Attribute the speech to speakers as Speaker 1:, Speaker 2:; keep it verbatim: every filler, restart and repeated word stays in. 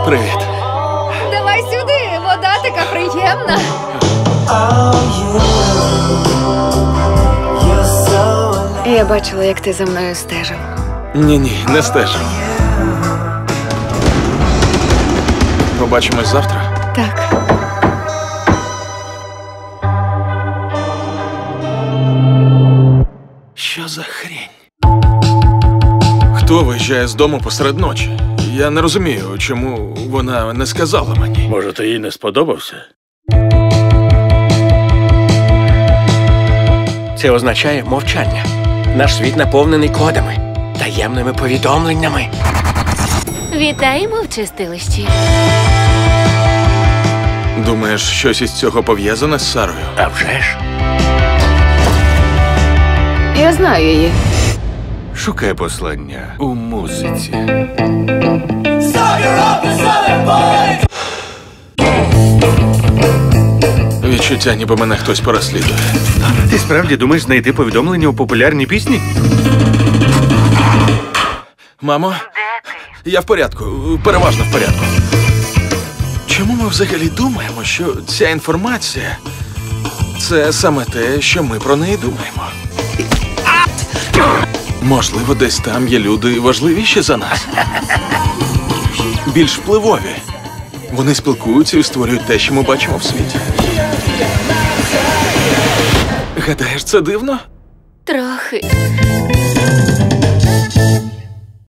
Speaker 1: Привіт.
Speaker 2: Давай сюди, вода така приємна. Я бачила, як ти за мною стежив.
Speaker 1: Ні-ні, не стежу. Побачимось завтра?
Speaker 2: Так.
Speaker 1: Що за хрінь? Хто виїжджає з дому посеред ночі? Я не розумію, чому вона не сказала мені.
Speaker 3: Може, ти їй не сподобався?
Speaker 4: Це означає мовчання. Наш світ наповнений кодами, таємними повідомленнями.
Speaker 5: Вітаємо в чистилищі.
Speaker 1: Думаєш, щось із цього пов'язане з Сарою?
Speaker 4: А вже ж.
Speaker 2: Я знаю її.
Speaker 3: Шукай послання у музиці.
Speaker 1: Відчуття, ніби мене хтось переслідує.
Speaker 3: Ти справді думаєш знайти повідомлення у популярній пісні?
Speaker 1: Мамо? Я в порядку, переважно в порядку. Чому ми взагалі думаємо, що ця інформація – це саме те, що ми про неї думаємо? Можливо, десь там є люди важливіші за нас. Більш впливові. Вони спілкуються і створюють те, що ми бачимо в світі. Гадаєш, це дивно?
Speaker 5: Трохи.